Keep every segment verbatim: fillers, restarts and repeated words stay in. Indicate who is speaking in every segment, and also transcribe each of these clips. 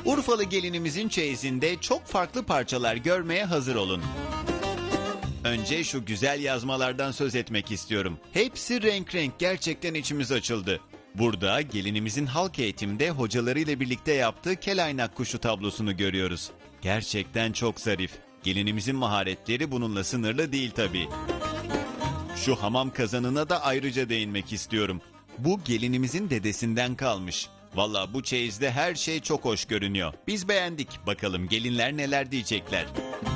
Speaker 1: Urfalı gelinimizin çeyizinde çok farklı parçalar görmeye hazır olun. Önce şu güzel yazmalardan söz etmek istiyorum. Hepsi renk renk, gerçekten içimiz açıldı. Burada gelinimizin halk eğitimde hocalarıyla birlikte yaptığı kelaynak kuşu tablosunu görüyoruz. Gerçekten çok zarif. Gelinimizin maharetleri bununla sınırlı değil tabii. Şu hamam kazanına da ayrıca değinmek istiyorum. Bu gelinimizin dedesinden kalmış. Valla bu çeyizde her şey çok hoş görünüyor. Biz beğendik. Bakalım gelinler neler diyecekler.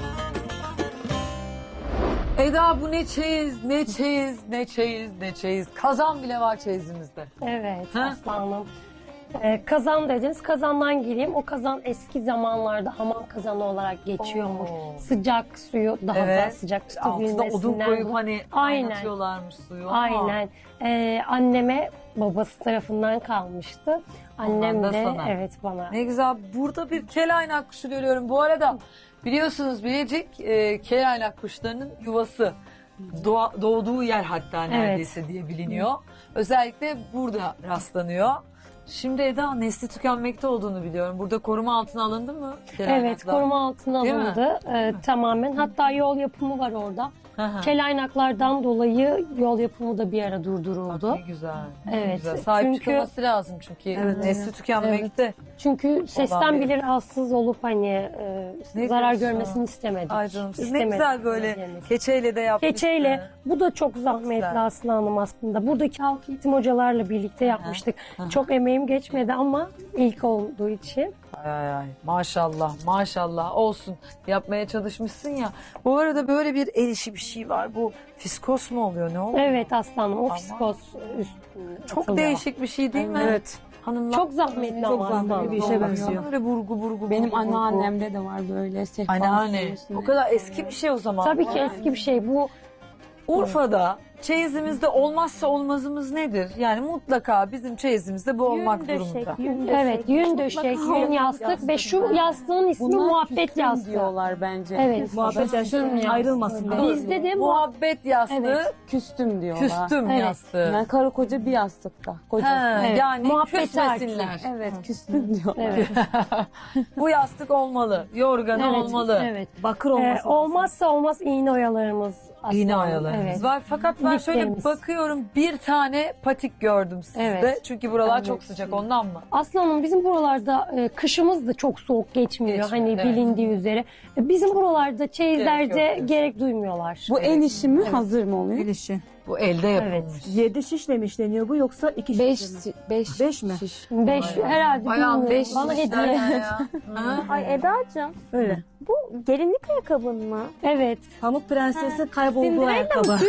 Speaker 2: Eda bu ne çeyiz, ne çeyiz, ne çeyiz, ne çeyiz. Kazan bile var çeyizimizde.
Speaker 3: Evet
Speaker 2: Ha?
Speaker 3: aslanım. Ee, kazan dediniz. Kazandan gireyim. O kazan eski zamanlarda hamam kazanı olarak geçiyormuş.
Speaker 2: Oo.
Speaker 3: sıcak suyu daha da
Speaker 2: Evet.
Speaker 3: sıcak
Speaker 2: Altında odun
Speaker 3: tutabilmesinden.
Speaker 2: koyup hani
Speaker 3: Aynen.
Speaker 2: kaynatıyorlarmış suyu.
Speaker 3: Aynen. Ee, anneme babası tarafından kalmıştı. Annem
Speaker 2: Ondan da
Speaker 3: de
Speaker 2: sana.
Speaker 3: evet bana.
Speaker 2: Ne güzel. Burada bir kelaynak kuşu görüyorum. Bu arada biliyorsunuz Bilecik e, kelaynak kuşlarının yuvası. Doğa, doğduğu yer hatta neredeyse diye biliniyor. Özellikle burada rastlanıyor. Şimdi Eda nesli tükenmekte olduğunu biliyorum. Burada koruma altına alındı mı?
Speaker 3: Evet,
Speaker 2: kelaynaklar?
Speaker 3: koruma altına
Speaker 2: Değil mi?
Speaker 3: alındı ee, tamamen. Hatta yol yapımı var orada.
Speaker 2: Hı hı.
Speaker 3: Kelaynaklardan dolayı yol yapımı da bir ara
Speaker 2: Bak
Speaker 3: durduruldu.
Speaker 2: ne güzel. Ne
Speaker 3: Evet,
Speaker 2: güzel. Sahip
Speaker 3: çünkü-
Speaker 2: çıkılması lazım çünkü
Speaker 3: Evet,
Speaker 2: nesli tükenmekte.
Speaker 3: Çünkü sesten
Speaker 2: Olan
Speaker 3: bile rahatsız olup hani e,
Speaker 2: Ne
Speaker 3: zarar
Speaker 2: diyorsun?
Speaker 3: görmesini istemedik.
Speaker 2: Ay canım siz ne
Speaker 3: İstemedik
Speaker 2: güzel böyle
Speaker 3: gelmesini.
Speaker 2: keçeyle de yapmışsınız.
Speaker 3: Keçeyle bu da çok zahmetli
Speaker 2: güzel.
Speaker 3: Aslı Hanım aslında. Buradaki halk eğitim hocalarla birlikte yapmıştık. Çok emeğim geçmedi ama ilk olduğu için.
Speaker 2: Ay ay ay maşallah maşallah olsun yapmaya çalışmışsın ya. Bu arada böyle bir el işi bir şey var. Bu fiskos mu oluyor ne oluyor?
Speaker 3: Evet Aslı Hanım o
Speaker 2: Ama-
Speaker 3: fiskos üst
Speaker 2: Çok
Speaker 3: atılıyor.
Speaker 2: değişik bir şey değil mi?
Speaker 4: Evet.
Speaker 2: Hanımlar
Speaker 3: Çok zahmetli
Speaker 4: Çok
Speaker 3: ama Aslı
Speaker 4: zahmetli
Speaker 3: Hanım.
Speaker 4: bir işe benziyor.
Speaker 2: Böyle burgu burgu
Speaker 4: Benim
Speaker 2: burgu, burgu.
Speaker 4: anneannemde de var böyle sehpa.
Speaker 2: Anneanne.
Speaker 4: üstüne.
Speaker 2: O kadar eski bir şey o zaman.
Speaker 3: Tabii ki eski bir şey bu.
Speaker 2: Urfa'da çeyizimizde olmazsa olmazımız nedir? Yani mutlaka bizim çeyizimizde bu olmak durumunda.
Speaker 3: Evet yün döşek, yün yastık ve şu yastığın ismi
Speaker 4: Bunlar
Speaker 3: muhabbet
Speaker 4: küstüm
Speaker 3: yastığı.
Speaker 4: diyorlar bence.
Speaker 3: Evet.
Speaker 4: Muhabbet yastığı ayrılmasın diye.
Speaker 3: Bizde de bu
Speaker 2: Muhabbet yastığı,
Speaker 3: Evet.
Speaker 4: Küstüm diyorlar.
Speaker 2: küstüm
Speaker 3: Evet.
Speaker 2: yastığı.
Speaker 4: Yani karı koca bir yastıkta. Kocası.
Speaker 2: Ha,
Speaker 3: Evet.
Speaker 2: Yani
Speaker 3: Muhabbet
Speaker 2: küsmesinler.
Speaker 4: Evet küstüm diyorlar.
Speaker 3: Evet.
Speaker 2: Bu yastık olmalı, yorganı
Speaker 3: Evet,
Speaker 2: olmalı.
Speaker 3: evet.
Speaker 4: Bakır
Speaker 3: Ee,
Speaker 4: olmasın.
Speaker 3: olmazsa olmaz iğne oyalarımız. Aslı
Speaker 2: İğne
Speaker 3: Hanım.
Speaker 2: oyalarımız
Speaker 3: Evet.
Speaker 2: var. Fakat ben şöyle
Speaker 3: Liflerimiz.
Speaker 2: bakıyorum bir tane patik gördüm sizde.
Speaker 3: Evet.
Speaker 2: Çünkü buralar
Speaker 3: Evet.
Speaker 2: çok sıcak ondan mı?
Speaker 3: Aslı Hanım bizim buralarda e, kışımız da çok soğuk geçmiyor.
Speaker 2: Geçmiyor,
Speaker 3: hani
Speaker 2: evet.
Speaker 3: bilindiği üzere. E, bizim buralarda çeyizlerde
Speaker 2: Gerek yok
Speaker 3: gerek, duymuyorlar.
Speaker 4: Bu el işi mi hazır mı oluyor?
Speaker 5: El işi.
Speaker 2: Bu elde yapılmış.
Speaker 3: Evet.
Speaker 5: Yedi şişle mi işleniyor bu yoksa iki
Speaker 4: Beş,
Speaker 5: şişle mi?
Speaker 4: beş,
Speaker 5: Beş mi?
Speaker 4: şiş.
Speaker 3: Beş herhalde
Speaker 2: Bayağı
Speaker 3: bilmiyorum.
Speaker 2: beş
Speaker 3: Bana
Speaker 2: şişler
Speaker 3: hediye.
Speaker 2: ya. Ha?
Speaker 6: Ay Eda'cığım
Speaker 5: Öyle.
Speaker 6: bu gelinlik ayakkabın mı?
Speaker 3: Evet.
Speaker 5: Pamuk Prensesi kaybolduğu ayakkabı.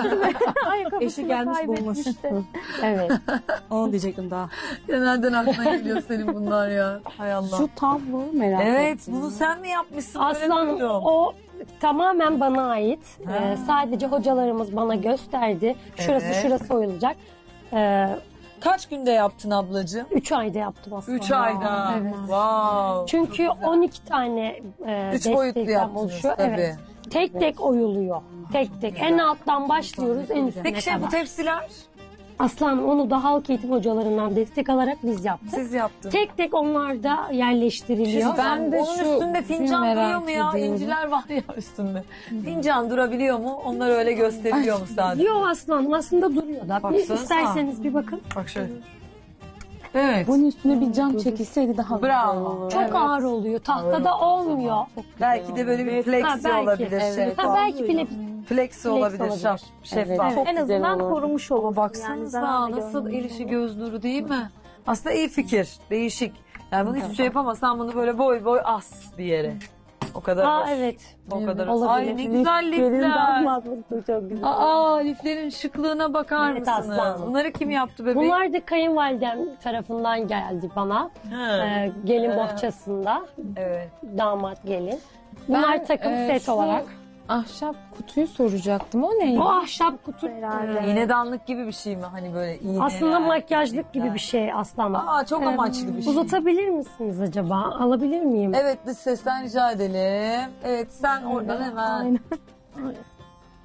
Speaker 5: Eşi gelmiş bulmuş.
Speaker 3: Evet.
Speaker 5: Onu diyecektim daha.
Speaker 2: Nereden aklına geliyor senin bunlar ya? Hay Allah.
Speaker 4: Şu tablo merak
Speaker 2: Evet
Speaker 4: ettim.
Speaker 2: bunu sen mi yapmışsın?
Speaker 3: Aslı
Speaker 2: Öyle
Speaker 3: Hanım
Speaker 2: duydum.
Speaker 3: o tamamen bana ait.
Speaker 2: Ha.
Speaker 3: Ee, sadece hocalarımız bana gösterdi. Şurası
Speaker 2: Evet.
Speaker 3: şurası oyulacak. Ee,
Speaker 2: Kaç günde yaptın ablacığım?
Speaker 3: üç ayda yaptım aslında.
Speaker 2: Üç ayda.
Speaker 3: Evet.
Speaker 2: Wow.
Speaker 3: Çünkü on iki tane e,
Speaker 2: Üç boyutlu
Speaker 3: destekten
Speaker 2: yaptınız
Speaker 3: oluşuyor.
Speaker 2: tabii.
Speaker 3: Evet. Tek tek oyuluyor. Tek tek. En alttan başlıyoruz en üstüne
Speaker 2: Peki şey
Speaker 3: kadar.
Speaker 2: bu tepsiler
Speaker 3: Aslan onu da halk eğitim hocalarından destek alarak biz yaptık.
Speaker 2: siz yaptınız.
Speaker 3: Tek tek onlar da yerleştiriliyor.
Speaker 2: Ben de onun
Speaker 4: şu
Speaker 2: üstünde fincan
Speaker 4: merak
Speaker 2: duruyor mu ya?
Speaker 4: ediyorum.
Speaker 2: İnciler var ya üstünde. Fincan durabiliyor mu? Onlar öyle gösteriliyor mu sadece?
Speaker 3: Yok aslanım aslında duruyor da. Bir,
Speaker 2: Baksanıza.
Speaker 3: isterseniz bir bakın.
Speaker 2: Bak şöyle. Evet.
Speaker 4: Bunun üstüne bir cam çekilseydi daha
Speaker 2: Bravo.
Speaker 4: güzel olurdu.
Speaker 3: Çok ağır oluyor. Tahtada olmuyor.
Speaker 2: Belki de böyle bir
Speaker 3: Ha,
Speaker 2: plexi
Speaker 3: belki.
Speaker 2: olabilir.
Speaker 4: Evet.
Speaker 3: Ha, belki bile
Speaker 2: Plexi olabilir.
Speaker 3: olabilir.
Speaker 2: Şaf, şeffaf.
Speaker 4: Çok
Speaker 6: en
Speaker 4: güzel
Speaker 6: azından
Speaker 4: olurdu.
Speaker 6: korumuş olur.
Speaker 2: Ama baksanıza nasıl el işi göz nuru değil mi? Aslında iyi fikir. Değişik. Yani bunu hiçbir şey yapamazsan bunu böyle boy boy as bir yere. O kadar.
Speaker 3: Aa
Speaker 2: hoş.
Speaker 3: evet.
Speaker 2: O kadar.
Speaker 3: Olabilir.
Speaker 2: Ay ne güzel
Speaker 5: Gelin
Speaker 2: lifler.
Speaker 5: damatlık da çok güzel.
Speaker 2: Aa liflerin şıklığına bakar
Speaker 3: Evet,
Speaker 2: mısınız?
Speaker 3: aslanım.
Speaker 2: Bunları kim yaptı bebeğim?
Speaker 3: Bunlar da kayınvalidem tarafından geldi bana.
Speaker 2: Ha.
Speaker 3: Ee, gelin bohçasında.
Speaker 2: Evet.
Speaker 3: Damat gelin. Bunlar
Speaker 4: Ben,
Speaker 3: takım
Speaker 4: e,
Speaker 3: set
Speaker 4: şu
Speaker 3: olarak.
Speaker 4: Ahşap kutuyu soracaktım. O neydi?
Speaker 3: O ahşap kutu
Speaker 6: Herhalde.
Speaker 2: İğnedanlık gibi bir şey mi? Hani böyle iğne.
Speaker 3: aslında makyajlık gibi bir şey aslında.
Speaker 2: Aa çok amaçlı bir şey.
Speaker 3: Uzatabilir misiniz acaba? Alabilir miyim?
Speaker 2: Evet dış sesten rica edelim. Evet sen oradan hemen.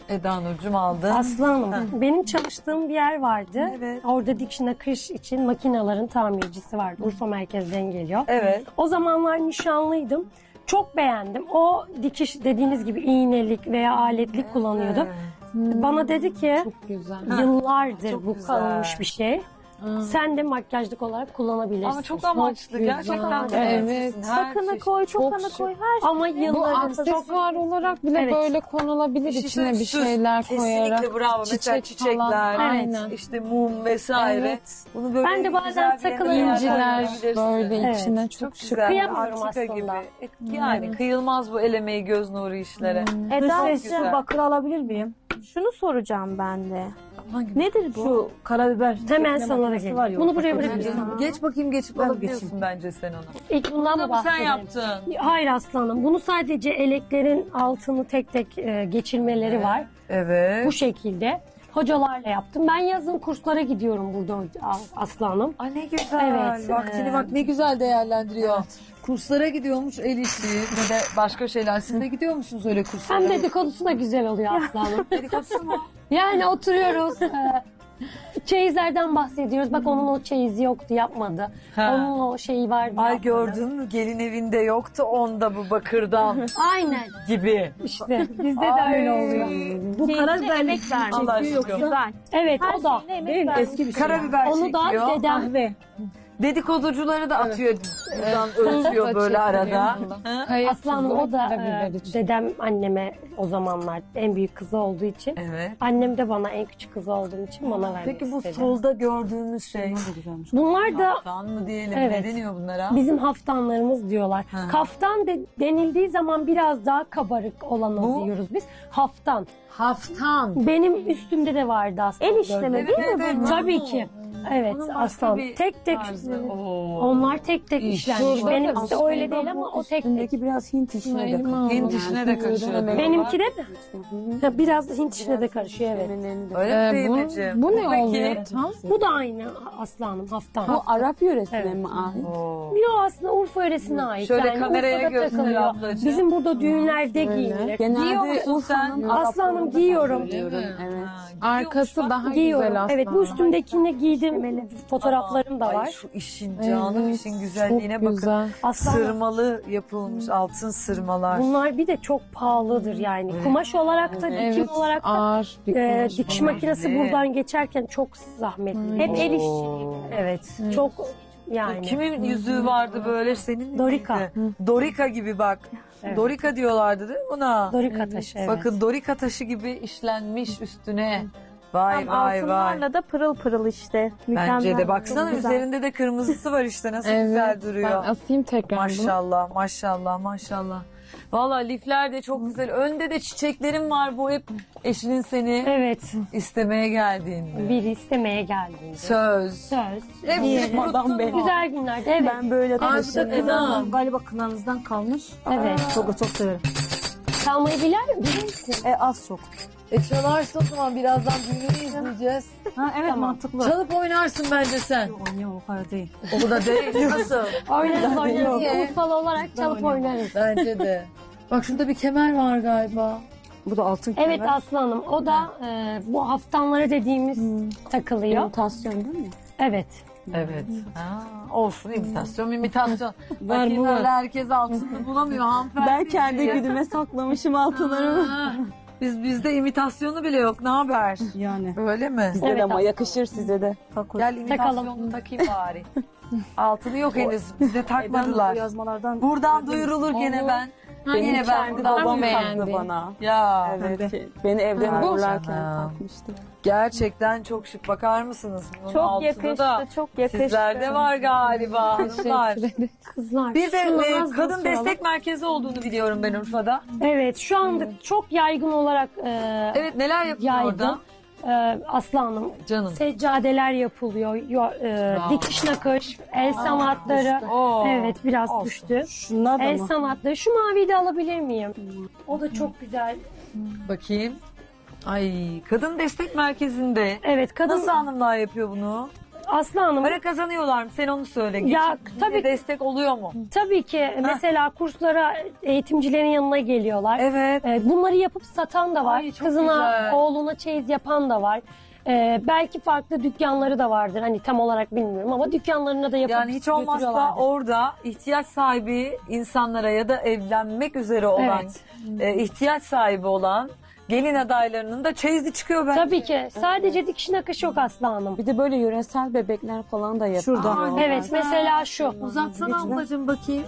Speaker 2: Eda Nurcuğum aldın.
Speaker 3: Aslı Hanım, benim çalıştığım bir yer vardı.
Speaker 2: Evet.
Speaker 3: Orada dikiş nakış için makinelerin tamircisi vardı. Urfa merkezden geliyor.
Speaker 2: Evet.
Speaker 3: O zamanlar nişanlıydım. Çok beğendim. O dikiş dediğiniz gibi iğnelik veya aletlik kullanıyordu. Bana dedi ki
Speaker 4: Güzel.
Speaker 3: yıllardır
Speaker 2: Çok
Speaker 3: bu
Speaker 2: güzel.
Speaker 3: kalınmış bir şey. Sen de makyajlık olarak kullanabilirsin.
Speaker 2: Ama çok amaçlı.
Speaker 4: güzel.
Speaker 2: Gerçekten de
Speaker 4: Evet.
Speaker 2: amaçlısın. Her
Speaker 6: Takını
Speaker 2: çeşit.
Speaker 6: koy,
Speaker 4: Çok
Speaker 6: tokanı
Speaker 4: şık.
Speaker 6: koy, her şey.
Speaker 3: Ama
Speaker 4: Bu
Speaker 3: yıllardır çok
Speaker 4: aksesuar olarak bile
Speaker 3: Evet.
Speaker 4: böyle konulabilir
Speaker 2: Bir şey
Speaker 4: içine bir
Speaker 2: söyleyeyim,
Speaker 4: şeyler
Speaker 2: süs.
Speaker 4: koyarak.
Speaker 2: Kesinlikle bravo. Mesela
Speaker 4: Çiçek falan.
Speaker 2: çiçekler,
Speaker 4: Aynen.
Speaker 2: işte mum vesaire.
Speaker 4: Evet.
Speaker 2: Bunu böyle
Speaker 3: Ben de bazen
Speaker 2: güzel bir
Speaker 3: takılı
Speaker 2: yerine
Speaker 4: İnciler
Speaker 2: koyabilirsin.
Speaker 4: böyle
Speaker 3: Evet.
Speaker 4: içine
Speaker 2: Çok
Speaker 4: çok şık.
Speaker 2: güzel.
Speaker 3: Kıyamıyorum
Speaker 2: Antika
Speaker 3: aslında.
Speaker 2: gibi. E, Yani kıyılmaz bu el emeği, göz nuru işlere.
Speaker 5: Eda'cığım
Speaker 2: güzel.
Speaker 5: bakır alabilir miyim?
Speaker 6: Şunu soracağım ben de.
Speaker 2: Hangi?
Speaker 6: Nedir bu?
Speaker 5: Şu karabiber.
Speaker 3: Hemen
Speaker 5: çekme
Speaker 3: sana da
Speaker 5: makinesi var
Speaker 3: geliyor.
Speaker 5: ya,
Speaker 3: Bunu buraya
Speaker 5: bakır
Speaker 3: bırakırsın.
Speaker 5: makinesi.
Speaker 2: Geç bakayım, geçip
Speaker 5: Ben
Speaker 2: alabiliyorsun
Speaker 5: geçeyim.
Speaker 2: bence sen onu.
Speaker 3: İlk bundan
Speaker 2: Bunu
Speaker 3: da
Speaker 2: da mı sen
Speaker 3: bahsedelim.
Speaker 2: yaptın?
Speaker 3: Hayır aslanım. Bunu sadece eleklerin altını tek tek e, geçirmeleri var.
Speaker 2: Evet.
Speaker 3: Bu şekilde. Hocalarla yaptım. Ben yazın kurslara gidiyorum burada aslanım.
Speaker 2: Ay ne güzel.
Speaker 3: Evet,
Speaker 2: Vaktini
Speaker 3: e,
Speaker 2: bak ne güzel değerlendiriyor. Kurslara gidiyormuş el işi ve de başka şeyler. Siz de gidiyor musunuz öyle kurslara?
Speaker 3: Hem dedikodusu da güzel oluyor aslanım.
Speaker 2: Dedikodusu mu?
Speaker 3: Yani oturuyoruz. e, Çeyizlerden bahsediyoruz. Bak onun o çeyizi yoktu, yapmadı.
Speaker 2: Ha.
Speaker 3: Onun o şeyi vardı,
Speaker 2: Ay
Speaker 3: yapmadı.
Speaker 2: gördün mü gelin evinde yoktu onda bu bakırdan
Speaker 3: Aynen.
Speaker 2: gibi.
Speaker 3: İşte bizde de
Speaker 2: Ay.
Speaker 3: öyle oluyor.
Speaker 5: Bu karabiber
Speaker 6: emek vermiş.
Speaker 2: Allah aşkına.
Speaker 5: yoksa
Speaker 6: Güzel.
Speaker 3: Evet
Speaker 6: Her
Speaker 3: o da.
Speaker 6: şeyine emek
Speaker 5: değil mi?
Speaker 6: vermiş.
Speaker 5: Eski bir şey.
Speaker 2: Karabiber
Speaker 3: Onu da
Speaker 2: çekiyor.
Speaker 3: dedem
Speaker 5: Kahve.
Speaker 2: Dedikoducuları da atıyor buradan ölçüyor böyle arada.
Speaker 4: Kaya
Speaker 3: Aslanım
Speaker 4: tuzu,
Speaker 3: o da
Speaker 4: karabiber
Speaker 3: e,
Speaker 4: için.
Speaker 3: dedem anneme o zamanlar en büyük kızı olduğu için.
Speaker 2: Evet.
Speaker 3: Annem de bana en küçük kızı olduğum için bana vermek
Speaker 2: Peki bu
Speaker 3: istedi.
Speaker 2: solda gördüğümüz şey
Speaker 5: Ne güzelmiş.
Speaker 3: Bunlar da
Speaker 2: kaftan mı diyelim
Speaker 3: Evet.
Speaker 2: ne deniyor bunlara?
Speaker 3: bizim haftanlarımız diyorlar.
Speaker 2: Ha.
Speaker 3: Kaftan de, denildiği zaman biraz daha kabarık olanı
Speaker 2: Bu?
Speaker 3: diyoruz biz. Haftan.
Speaker 2: Haftan.
Speaker 3: Benim üstümde de vardı aslında.
Speaker 6: El işleme
Speaker 2: Evet,
Speaker 6: değil
Speaker 2: evet,
Speaker 6: mi
Speaker 2: evet.
Speaker 6: bu?
Speaker 3: Tabii ki. Evet
Speaker 2: Onun başka
Speaker 3: aslan.
Speaker 2: bir
Speaker 3: Tek tek.
Speaker 2: tarzı. Oo.
Speaker 3: Onlar tek tek
Speaker 2: İş.
Speaker 3: işlenmiş.
Speaker 2: Şurada
Speaker 3: Benimki de
Speaker 2: aslında
Speaker 3: öyle değil ama o tek tek.
Speaker 5: Üstündeki biraz Hint işine de
Speaker 4: Elma
Speaker 5: katıyor.
Speaker 2: Hint işine de kaçıyor.
Speaker 3: Benimki de mi? Ha, biraz Hint işine de karışıyor evet.
Speaker 2: Öyle
Speaker 4: Ee,
Speaker 2: mi
Speaker 4: bu,
Speaker 2: Zeynep'ciğim?
Speaker 4: bu ne
Speaker 2: Peki.
Speaker 4: oluyor tam?
Speaker 3: Bu da aynı aslanım haftan.
Speaker 5: Bu Arap yöresine
Speaker 3: Evet.
Speaker 5: mi ait?
Speaker 2: Oo.
Speaker 3: Yo aslında Urfa yöresine ait.
Speaker 2: Şöyle
Speaker 3: yani
Speaker 2: kameraya
Speaker 3: Urfa'da
Speaker 2: göster
Speaker 3: takılıyor.
Speaker 2: ablacığım.
Speaker 3: Bizim burada düğünlerde giyilir.
Speaker 2: Giyiyor
Speaker 5: Genelde
Speaker 2: musun sen?
Speaker 5: Urfa'nın
Speaker 3: Aslanım
Speaker 5: Araplarında
Speaker 3: giyiyorum.
Speaker 5: takılıyorum.
Speaker 2: Öyle mi?
Speaker 5: Evet.
Speaker 2: Ha,
Speaker 4: Arkası
Speaker 2: giyiyormuş bak.
Speaker 4: daha
Speaker 3: Giyiyorum.
Speaker 4: güzel aslında.
Speaker 3: Evet bu üstümdekini giydim. Fotoğraflarım da
Speaker 2: Ay
Speaker 3: var.
Speaker 2: şu işin canım
Speaker 4: Evet,
Speaker 2: işin güzelliğine
Speaker 4: çok
Speaker 2: bakın.
Speaker 4: güzel.
Speaker 3: Aslan
Speaker 2: Sırmalı yapılmış altın sırmalar.
Speaker 3: bunlar bir de çok pahalıdır yani. Kumaş olarak da dikim
Speaker 4: Evet,
Speaker 3: olarak da
Speaker 4: ağır bir
Speaker 3: e,
Speaker 4: kumaş
Speaker 3: dikiş
Speaker 4: bunlar.
Speaker 3: makinesi
Speaker 2: Evet.
Speaker 3: buradan geçerken çok zahmetli.
Speaker 6: Hep el işi.
Speaker 2: Oo.
Speaker 3: Evet. Çok yani.
Speaker 2: Kimin yüzüğü vardı böyle senin mi?
Speaker 3: Dorika.
Speaker 2: miydi? Dorika gibi bak.
Speaker 3: Evet.
Speaker 2: Dorika diyorlardı değil mi buna?
Speaker 3: Dorika taşı evet.
Speaker 2: Bakın Dorika taşı gibi işlenmiş üstüne. Vay
Speaker 6: Tam
Speaker 2: vay vay.
Speaker 6: altınlarla da pırıl pırıl işte.
Speaker 2: Bence
Speaker 6: Mükemmel.
Speaker 2: de baksana
Speaker 6: Çok güzel.
Speaker 2: üzerinde de kırmızısı var işte nasıl
Speaker 4: Evet,
Speaker 2: güzel
Speaker 4: ben
Speaker 2: duruyor.
Speaker 4: asayım tekrar bunu.
Speaker 2: Maşallah maşallah maşallah. Valla lifler de çok güzel. Önde de çiçeklerim var bu hep eşinin seni
Speaker 3: Evet.
Speaker 2: istemeye geldiğinde.
Speaker 3: Biri istemeye geldiğinde.
Speaker 2: Söz.
Speaker 3: Söz.
Speaker 2: Hepsi
Speaker 3: Diğeri-
Speaker 2: madam be.
Speaker 3: Güzel günlerde evet.
Speaker 6: Ben böyle
Speaker 2: Aşık
Speaker 6: taşıyorum.
Speaker 2: Eda.
Speaker 5: Galiba kınanızdan kalmış.
Speaker 3: Evet.
Speaker 5: Çok çok severim.
Speaker 3: Çalmayı bilir bilir misin?
Speaker 5: E az çok.
Speaker 2: E çalarsın o zaman birazdan düğününü izleyeceğiz.
Speaker 5: Ha evet
Speaker 3: Tamam.
Speaker 5: mantıklı.
Speaker 2: Çalıp oynarsın bence sen.
Speaker 5: Oynuyor o kadar değil.
Speaker 2: O da değil. Nasıl?
Speaker 3: Oynarız oynarız.
Speaker 2: Niye?
Speaker 3: Urfalı olarak çalıp oynarız.
Speaker 2: Bence de. Bak şurada bir kemer var galiba.
Speaker 5: Bu da altın kemer.
Speaker 3: Evet Aslanım o da e, bu haftanları dediğimiz takılıyor.
Speaker 5: İmitasyon değil mi?
Speaker 3: Evet.
Speaker 2: Evet. Aa, olsun imitasyon imitasyon.
Speaker 5: Var
Speaker 2: Bakayım
Speaker 5: mı var?
Speaker 2: öyle herkes altını bulamıyor hanımefendi.
Speaker 5: Ben kendi
Speaker 2: diye.
Speaker 5: güdüme saklamışım altınlarımı.
Speaker 2: Aa, Biz bizde imitasyonu bile yok. Ne haber?
Speaker 5: Yani.
Speaker 2: Öyle mi?
Speaker 5: Size
Speaker 3: Evet,
Speaker 5: de ama
Speaker 3: aslında.
Speaker 5: yakışır size de.
Speaker 2: Gel imitasyonunu takayım bari. Altını yok henüz. Bize takmadılar.
Speaker 5: Yazmalardan
Speaker 2: Buradan duyurulur gene ben. Yine ben
Speaker 5: kendi
Speaker 2: buradan
Speaker 5: babam
Speaker 2: duyurulur.
Speaker 5: taktı bana.
Speaker 2: Ya.
Speaker 5: Evet. Beni evden
Speaker 2: Bu-
Speaker 5: uğurlarken
Speaker 2: Ha.
Speaker 5: takmıştı.
Speaker 2: Gerçekten çok şık. Bakar mısınız? Bunun
Speaker 6: Çok
Speaker 2: altında
Speaker 6: yakıştı,
Speaker 2: da
Speaker 6: çok yakıştı.
Speaker 2: sizlerde var galiba hanımlar.
Speaker 3: Kızlar.
Speaker 2: Bir de
Speaker 3: şunu
Speaker 2: e,
Speaker 3: az da
Speaker 2: kadın
Speaker 3: soralım.
Speaker 2: destek merkezi olduğunu biliyorum ben Urfa'da.
Speaker 3: Evet şu anda çok yaygın olarak e,
Speaker 2: Evet neler yapıyor
Speaker 3: yaygın.
Speaker 2: orada?
Speaker 3: E, Aslanım
Speaker 2: Canım.
Speaker 3: seccadeler yapılıyor. Yo, e,
Speaker 2: Bravo.
Speaker 3: dikiş nakış, el sanatları.
Speaker 2: Oo.
Speaker 3: Evet biraz
Speaker 2: Olsun.
Speaker 3: düştü.
Speaker 5: Şunlar da
Speaker 3: El
Speaker 5: mı?
Speaker 3: sanatları. Şu maviyi de alabilir miyim? O da çok güzel.
Speaker 2: Bakayım. Ay kadın destek merkezinde.
Speaker 3: Evet kadın
Speaker 2: Nasıl hanımlar yapıyor bunu?
Speaker 3: Aslı Hanım,
Speaker 2: Para kazanıyorlar mı? Sen onu söyle.
Speaker 3: Ya,
Speaker 2: Geçim
Speaker 3: tabii-
Speaker 2: destek oluyor mu?
Speaker 3: tabii ki mesela kurslara eğitimcilerin yanına geliyorlar.
Speaker 2: Evet.
Speaker 3: Ee, Bunları yapıp satan da var.
Speaker 2: Ay, çok
Speaker 3: Kızına,
Speaker 2: güzel.
Speaker 3: oğluna çeyiz yapan da var. Ee, belki farklı dükkanları da vardır. Hani tam olarak bilmiyorum ama dükkanlarına da yapıp
Speaker 2: Yani hiç olmazsa
Speaker 3: götürüyorlardır.
Speaker 2: orada ihtiyaç sahibi insanlara ya da evlenmek üzere olan,
Speaker 3: Evet.
Speaker 2: e, ihtiyaç sahibi olan gelin adaylarının da çeyizi çıkıyor bence.
Speaker 3: Tabii ki. Sadece dikiş nakış yok Aslı Hanım.
Speaker 5: Bir de böyle yöresel bebekler falan da yapıyor.
Speaker 2: Şurada.
Speaker 3: Evet, mesela şu.
Speaker 2: Uzatsana ablacığım bakayım.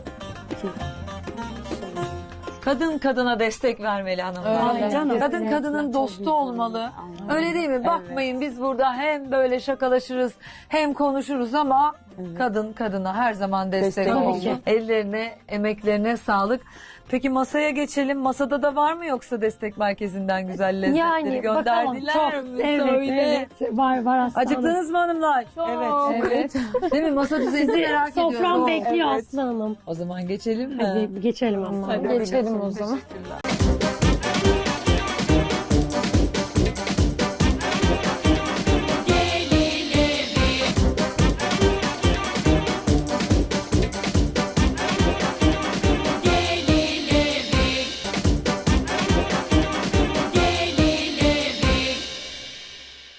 Speaker 2: Kadın kadına destek vermeli hanımlar.
Speaker 4: Öyle.
Speaker 5: Canım.
Speaker 2: Kadın kadının dostu olmalı. Öyle değil mi? Bakmayın biz burada hem böyle şakalaşırız hem konuşuruz ama kadın kadına her zaman destek,
Speaker 5: Destek
Speaker 2: olsun.
Speaker 3: olsun.
Speaker 2: Ellerine, emeklerine sağlık. Peki masaya geçelim. Masada da var mı yoksa destek merkezinden güzel lezzetleri
Speaker 3: Yani bakalım.
Speaker 2: gönderdiler
Speaker 3: Çok.
Speaker 2: mi?
Speaker 3: Evet,
Speaker 2: Söyle.
Speaker 3: evet. Var, var Aslı Hanım.
Speaker 2: Acıktınız mı hanımlar?
Speaker 5: Evet.
Speaker 4: Evet.
Speaker 2: Değil mi? Masa düzenini merak ediyorum.
Speaker 3: Sofram bekliyor
Speaker 2: Evet.
Speaker 3: Aslı Hanım.
Speaker 2: O zaman geçelim mi?
Speaker 3: Hadi geçelim Aslı Hanım.
Speaker 4: Geçelim o zaman.
Speaker 2: Teşekkürler.